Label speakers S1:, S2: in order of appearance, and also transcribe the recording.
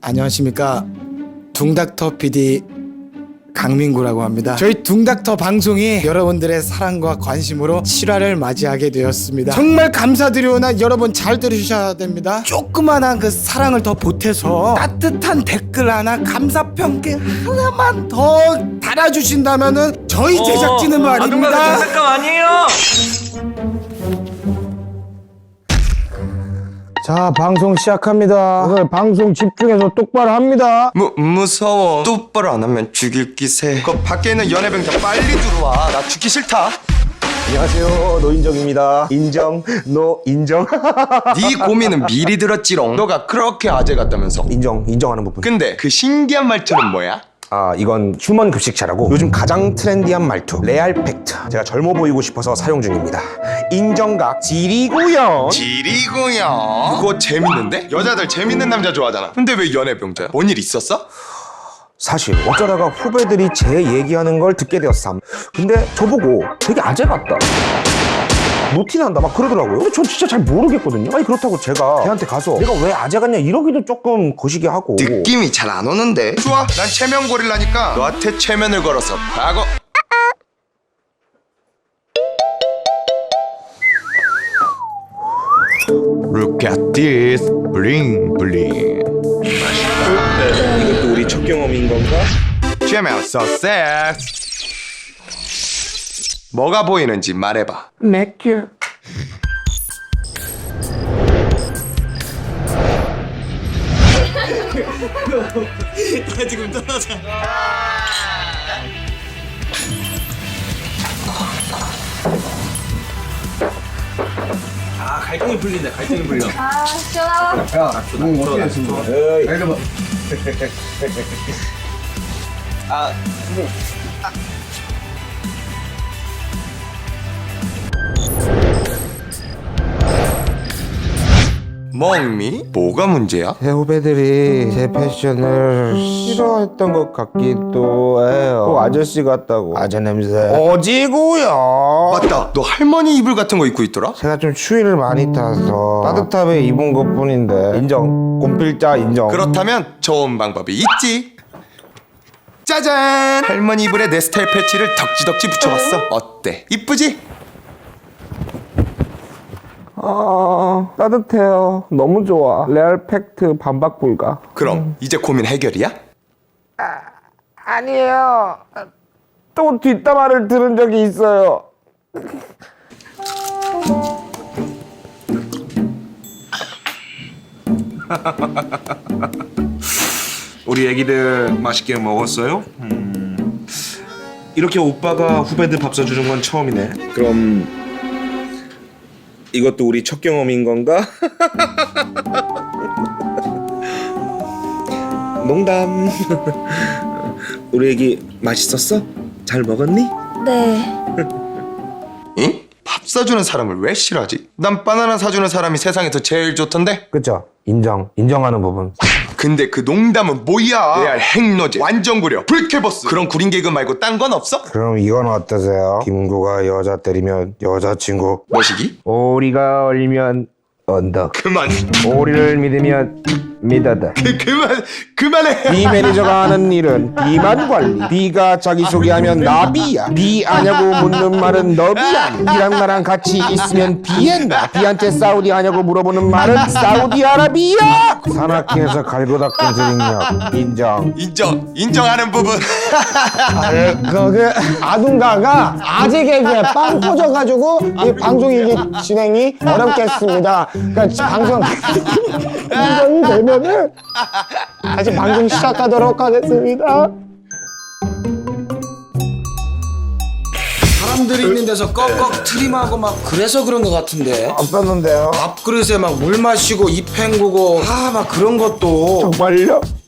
S1: 안녕하십니까. 둥닥터 PD 강민구라고 합니다. 저희 둥닥터 방송이 여러분들의 사랑과 관심으로 7화를 맞이하게 되었습니다. 정말 감사드리오나 여러분 잘 들으셔야 됩니다. 조그만한 그 사랑을 더 보태서 따뜻한 댓글 하나, 감사평가 하나만 더 달아주신다면은 저희 제작진은 말입니다.
S2: 잠깐 아니에요.
S3: 자, 방송 시작합니다. 오늘 방송 집중해서 똑바로 합니다.
S2: 무서워. 똑바로 안 하면 죽일 기세. 그 밖에 있는 연애병자 빨리 들어와. 나 죽기 싫다.
S3: 안녕하세요, 노인정입니다. 인정, 노 인정.
S2: 네 고민은 미리 들었지롱. 너가 그렇게 아재 같다면서.
S3: 인정하는 부분.
S2: 근데 그 신기한 말투는 뭐야?
S3: 아, 이건 휴먼 급식차라고 요즘 가장 트렌디한 말투, 레알 팩트. 제가 젊어 보이고 싶어서 사용 중입니다. 인정각 지리구요.
S2: 지리구요. 그거 재밌는데? 여자들 재밌는 남자 좋아하잖아. 근데 왜 연애병자야? 뭔 일 있었어?
S3: 사실 어쩌다가 후배들이 제 얘기하는 걸 듣게 되었삼. 근데 저보고 되게 아재 같다, 노티난다 막 그러더라고요. 근데 전 진짜 잘 모르겠거든요. 아니 그렇다고 제가 걔한테 가서 내가 왜 아재 같냐 이러기도 조금 거시기 하고.
S2: 느낌이 잘 안 오는데. 좋아, 난 체면 고릴라니까 너한테 체면을 걸어서 과거. Look at this, bling bling.
S3: 이것도 우리 첫 경험인 건가?
S2: 체면 서섹스. 뭐가 보이는지 말해봐.
S3: 맥큐.
S1: 지금 떠나자.
S2: 아, 갈등이 풀린다. 갈등이 풀려.
S4: 아, 시원하다.
S2: 멍미? 뭐가 문제야?
S3: 제 후배들이 제 패션을 싫어했던 것 같기도 해요. 꼭 아저씨 같다고. 아재 냄새. 어지구요.
S2: 맞다. 너 할머니 이불 같은 거 입고 있더라?
S3: 제가 좀 추위를 많이 타서 따뜻함에 입은 것 뿐인데 인정. 곰필자 인정.
S2: 그렇다면 좋은 방법이 있지. 짜잔! 할머니 이불에 내 스타일 패치를 덕지덕지 붙여봤어. 어때? 이쁘지?
S3: 따뜻해요. 너무 좋아. 레알 팩트 반박 불가.
S2: 그럼 이제 고민 해결이야?
S3: 아니에요. 또 뒷담화를 들은 적이 있어요.
S5: 우리 애기들 맛있게 먹었어요? 이렇게 오빠가 후배들 밥 사주는 건 처음이네. 그럼 이것도 우리 첫 경험인 건가? 농담. 우리 애기 맛있었어? 잘 먹었니?
S4: 네.
S2: 응? 밥 사주는 사람을 왜 싫어하지? 난 바나나 사주는 사람이 세상에서 제일 좋던데?
S3: 그쵸? 인정하는 부분.
S2: 근데 그 농담은 뭐야? 레알 핵노제, 완전 구려, 불쾌버스. 그런 구린 개그 말고 딴 건 없어?
S3: 그럼 이건 어떠세요? 김구가 여자 때리면 여자친구,
S2: 뭐시기?
S3: 오리가 얼면 언덕,
S2: 그만.
S3: 오리를 믿으면 믿어다.
S2: 그만해.
S3: 비 매니저가 하는 일은 비만 관리. 비가 자기소개하면 나비야. 비 아냐고 묻는 말은 너비야. 비랑 나랑 같이 있으면 비엔나. 비한테 사우디 아냐고 물어보는 말은 사우디아라비아. 산악회에서 갈고 닦은 드링력 인정.
S2: 인정하는 부분.
S6: 그 아둔가가 아재 개그에 빵 터져가지고 이 방송 이게 진행이 어렵겠습니다. 그러니까 방송 인정이 되면은 다시 방송 시작하도록 하겠습니다.
S1: 사람들이 있는 데서 꺽꺽 트림하고 막 그래서 그런 것 같은데.
S3: 안 뺐는데요.
S1: 밥그릇에 막 물 마시고 입 헹구고 막 그런 것도
S3: 정말요?